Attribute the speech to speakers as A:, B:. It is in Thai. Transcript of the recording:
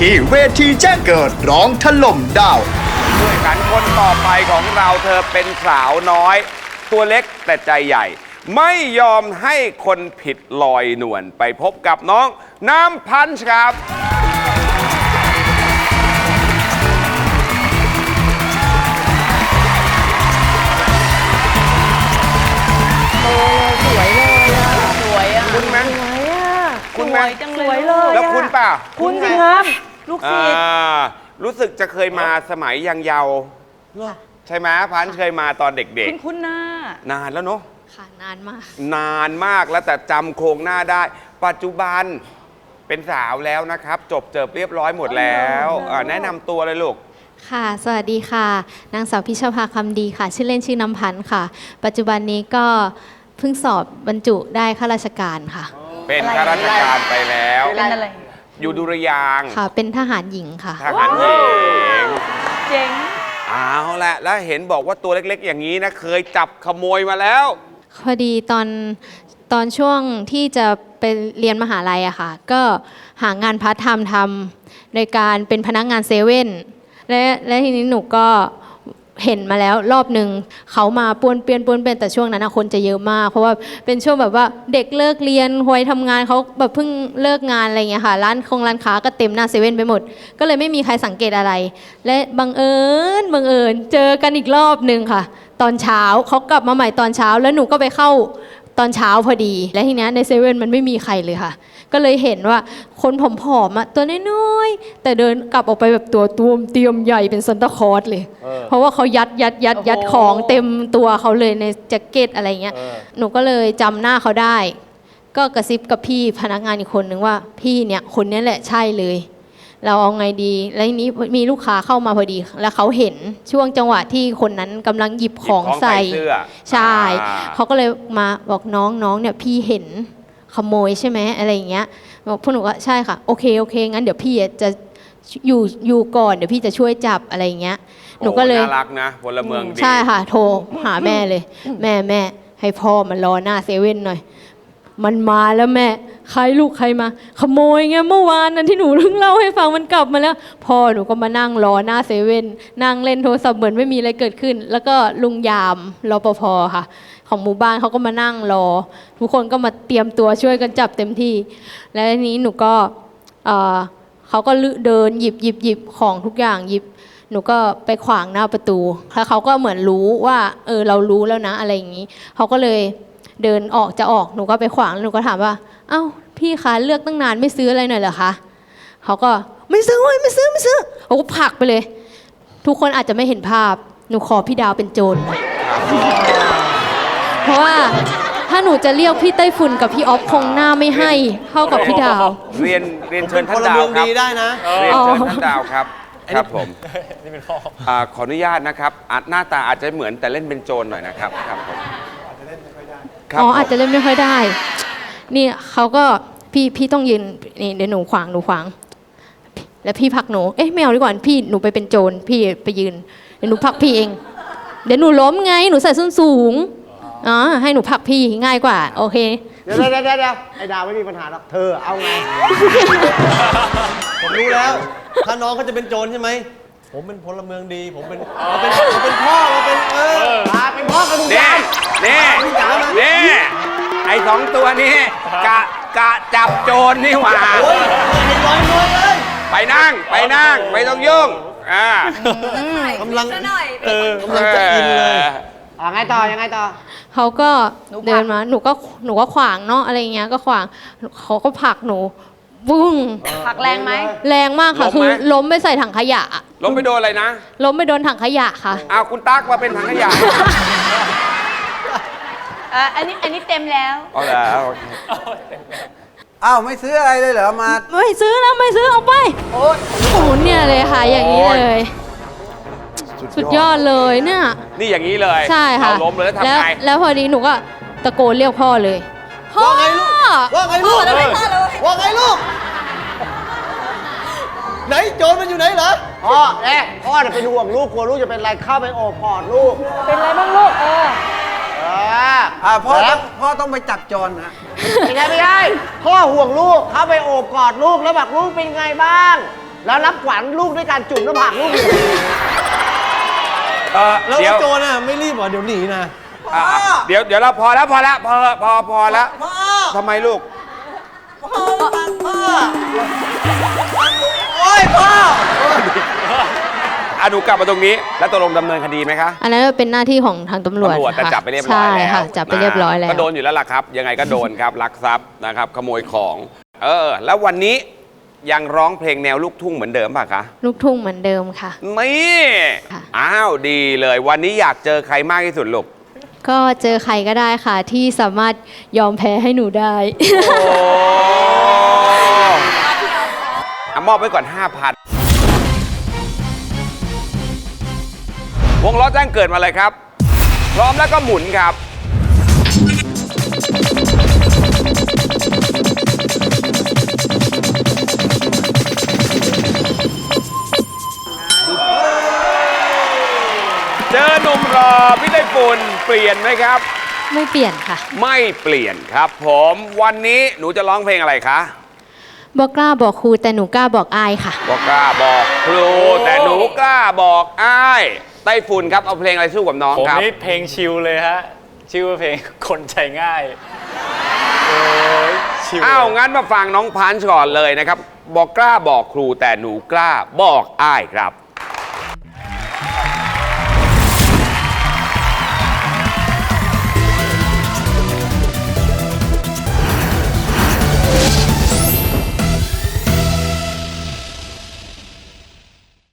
A: ที่เวทีแจ้งเกิดร้องถล่มดาว
B: ผู้แข่งขันคนต่อไปของเราเธอเป็นสาวน้อย ตัวเล็กแต่ใจใหญ่ ไม่ยอมให้คนผิดลอยนวลไปพบกับน้องน้ำพันธ์ครับ
C: สวยเลยอ่ะสวยอ่ะ
B: คุณไหมคุณไหม
C: จังเลย
B: แล้วคุณป่ะ
C: คุณสิครับลูกศิษย์
B: รู้สึกจะเคยมาสมัยยังเยาว์ใช่ไหมพันธ์เคยมาตอนเด็กๆ
C: คุณหน้
B: านานแล้วเนาะ
D: ค่ะนานมาก
B: นานมากแล้วแต่จำโครงหน้าได้ ปัจจุบันเป็นสาวแล้วนะครับ จบเรียบร้อยหมดแล้วแนะนำตัวเลยลูก
D: ค่ะสวัสดีค่ะนางสาวพิชภาคำดีค่ะชื่อเล่นชื่อน้ำพันธ์ค่ะปัจจุบันนี้ก็เพิ่งสอบบรรจุได้ข้าราชการค่ะ
B: เป็นข้าราชการไปแล้ว
C: เป็นอะไร
B: อยู่ดุริยางค์
D: ค่ะเป็นทหารหญิงค่ะ
B: ทหารหญิง
C: เจ๋ง
B: เอาละแล้วเห็นบอกว่าตัวเล็กๆอย่างนี้นะเคยจับขโมยมาแล้ว
D: พอดีตอนช่วงที่จะไปเรียนมหาลัยอะค่ะก็หางานพาร์ทไทม์ทำโดยการเป็นพนักงานเซเว่นและทีนี้หนูก็เห็นมาแล้วรอบหนึ่งเขามาป้วนเปี้ยนแต่ช่วงนั้นคนจะเยอะมากเพราะว่าเป็นช่วงแบบว่าเด็กเลิกเรียนวัยทำงานเขาแบบเพิ่งเลิกงานอะไรอย่างเงี้ยค่ะร้านค้าก็เต็มหน้าเซเว่นไปหมดก็เลยไม่มีใครสังเกตอะไรและบังเอิญเจอกันอีกรอบหนึ่งค่ะตอนเช้าเขากลับมาใหม่ตอนเช้าแล้วหนูก็ไปเข้าตอนเช้าพอดีและทีนี้ในเซเว่นมันไม่มีใครเลยค่ะก็เลยเห็นว่าคนผอมๆตัวน้อยๆแต่เดินกลับออกไปแบบตัวตูมเตรียมใหญ่เป็นซันตาคลอสเลยเพราะว่าเขายัดของเต็มตัวเขาเลยในแจ็คเก็ตอะไรเงี้ยหนูก็เลยจำหน้าเขาได้ก็กระซิบกับพี่พนักงานอีกคนนึงว่าพี่เนี่ยคนนี้แหละใช่เลยเราเอาไงดีแล้วทีนี้มีลูกค้าเข้ามาพอดีแล้วเขาเห็นช่วงจังหวะที่คนนั้นกำลังหยิบของใส่ใช่เขาก็เลยมาบอกน้องเนี่ยพี่เห็นขโมยใช่ไหมอะไรอย่างเงี้ยบอกพวกหนูก็ใช่ค่ะโอเคงั้นเดี๋ยวพี่จะอยู่ก่อนเดี๋ยวพี่จะช่วยจับอะไรอย่างเงี้ยหนูก็เลย
B: น่ารักนะพลเมืองดี
D: ใช่ค่ะโทรหาแม่เลยแม่ให้พ่อมันรอหน้าเซเว่นหน่อยมันมาแล้วแม่ใครมาขโมยไงเมื่อวานนั้นที่หนูเพิ่งเล่าให้ฟังมันกลับมาแล้วพ่อหนูก็มานั่งรอหน้าเซเว่นนั่งเล่นโทรศัพท์เหมือนไม่มีอะไรเกิดขึ้นแล้วก็ลุงยามรปภค่ะของหมู่บ้านเขาก็มานั่งรอทุกคนก็มาเตรียมตัวช่วยกันจับเต็มที่แล้วทีนี้หนูก็เขาก็เดินหยิบของทุกอย่างหยิบหนูก็ไปขวางหน้าประตูแล้วเขาก็เหมือนรู้ว่าเรารู้แล้วนะอะไรอย่างนี้เขาก็เลยเดินออกหนูก็ไปขวางหนูก็ถามว่าเอ้าพี่คะเลือกตั้งนานไม่ซื้ออะไรหน่อยเหรอคะเขาก็ไม่ซื้อเขาก็ผลักไปเลยทุกคนอาจจะไม่เห็นภาพหนูขอพี่ดาวเป็นโจรเพราะว่าถ้าหนูจะเรียกพี่ไต้ฝุ่นกับพี่ออฟคงหน้าไม่ให้เท่ากับพี่ดาว
B: เรียนเชิญท่านดาวครับ
E: ได้นะ
B: เรียนเชิญท่านดาวครับครับผมนี่เป็นพ่อขออนุญาตนะครับหน้าตาอาจจะเหมือนแต่เล่นเป็นโจรหน่อยนะครับครับผม
D: อาจจะเล่นไม่ค่อยได้นี่เขาก็พี่ต้องยืนนี่เดี๋ยวหนูขวางแล้วพี่ผลักหนูไม่เอาดีกว่าพี่หนูไปเป็นโจรพี่ไปยืนเดี๋ยวหนูผลักพี่เองเดี๋ยวหนูล้มไงหนูใส่ส้นสูงให้หนูผลักพี่ง่ายกว่าโอเค
E: เดี๋ยวไอ้ดาวไม่มีปัญหาหรอกเธอเอาไงผมรู้แล้วถ้าน้องเขาจะเป็นโจรใช่ไหมผมเป็นพลเมืองดีผมเป็นพ่อเราเป็นเป็นพ่อกับลุงยาม
B: นี่ไอ้2 ตัวนี้กะจับโจรนี่หว่าไปนั่งไม่ต้องยุ่ง
E: กำลังจะกินเลยยังไงต่อ
D: เขาก็เดินมาหนูก็ขวางเนาะอะไรเงี้ยก็ขวางเขาก็ผลักหนูบุ้ง
C: ผลักแรงไหม
D: แรงมากค่ะคือล้มไปใส่ถังขยะ
B: ล้มไปโดนอะไรนะ
D: ล้มไปโดนถังขยะค่ะ
B: คุณตั๊กมาเป็นถังขยะ
C: อันนี้เต็มแล้ว
B: แล้ว
E: ไม่ซื้ออะไรเลยเหรอมา
D: ไม่ซื้อเอาไปโอ้โหเนี่ยเลยค่ะอย่างนี้เลยสุดยอดเลยเนี่ย
B: นี่อย่างนี้เลย
D: ใช่ค่ะ
B: ล้มเลยแล้วทำไง
D: แล้วพอดีหนูก็ตะโกนเรียกพ่อเลยพ่อ
E: ว่าไงลูกไหนโจรมันอยู่ไหนเหรอพ่อเป็นห่วงลูกกลัวลูกจะเป็นอะไรเข้าไปโอบกอดลูก
C: เป็นอะไรบ้างลูก
E: พ่อต้องไปจับโจรนะไม่ได้พ่อห่วงลูกเข้าไปโอบกอดลูกแล้วบอกลูกเป็นไงบ้าง
F: แล้วรับขวัญลูกด้วยการจุ่มหน้าผากลูก
E: แล้ว
B: เดี๋ยว
E: โจรน่ะไม่รีบเหรอเดี๋ยวหนีนะ
B: เดี๋ยวเราพอแล้วพอแล้วพอแล้วทำไมลูก
E: โอ้ยพ่อ
B: หนูกลับมาตรงนี้ แล้วตกลงดำเนินคดีไหมคะ
D: อันนั้นเป็นหน้าที่ของทางตำรวจ
B: แต่
D: ค่ะ
B: จับไปเรียบร้อยแล้ว
D: ใช่ค่ะจับไปเรียบร้อยแล้ว
B: ก็โดนอยู่แล้วล่ะครับ ยังไงก็โดนครับลักทรัพย์นะครับขโมยของ แล้ววันนี้ยังร้องเพลงแนวลูกทุ่งเหมือนเดิมป่ะคะ
D: ลูกทุ่งเหมือนเดิมค่ะ
B: นี่
D: ค่ะ
B: อ้าวดีเลย วันนี้อยากเจอใครมากที่สุดลูก
D: ก็เจอใครก็ได้ค่ะที่สามารถยอมแพ้ให้หนูได้
B: มอบไว้ก่อน 5,000 วงล้อแจ้งเกิดมาเลยครับ พร้อมแล้วก็หมุนครับ เจอหนุ่มรอพี่ได้ฝุ่นเปลี่ยนไหมครับ
D: ไม่เปลี่ยนค่ะ
B: ไม่เปลี่ยนครับผมวันนี้หนูจะร้องเพลงอะไรคะ
D: บอกกล้าบอกครูแต่หนูกล้าบอกอายค่ะ
B: บอกกล้าบอกครูแต่หนูกล้าบอกอ้ายไต้ฝุ่นครับเอาเพลงอะไรสู้กับน้อง
G: ผม
B: ครับ
G: นี่เพลงชิลเลยฮะ ชื่อว่าเพลงคนใจง่าย โอ้ยชิล
B: อ้าวงั้นมาฟังน้องพันช์ก่อนเลยนะครับ บอกกล้าบอกครูแต่หนูกล้าบอกอ้ายครับ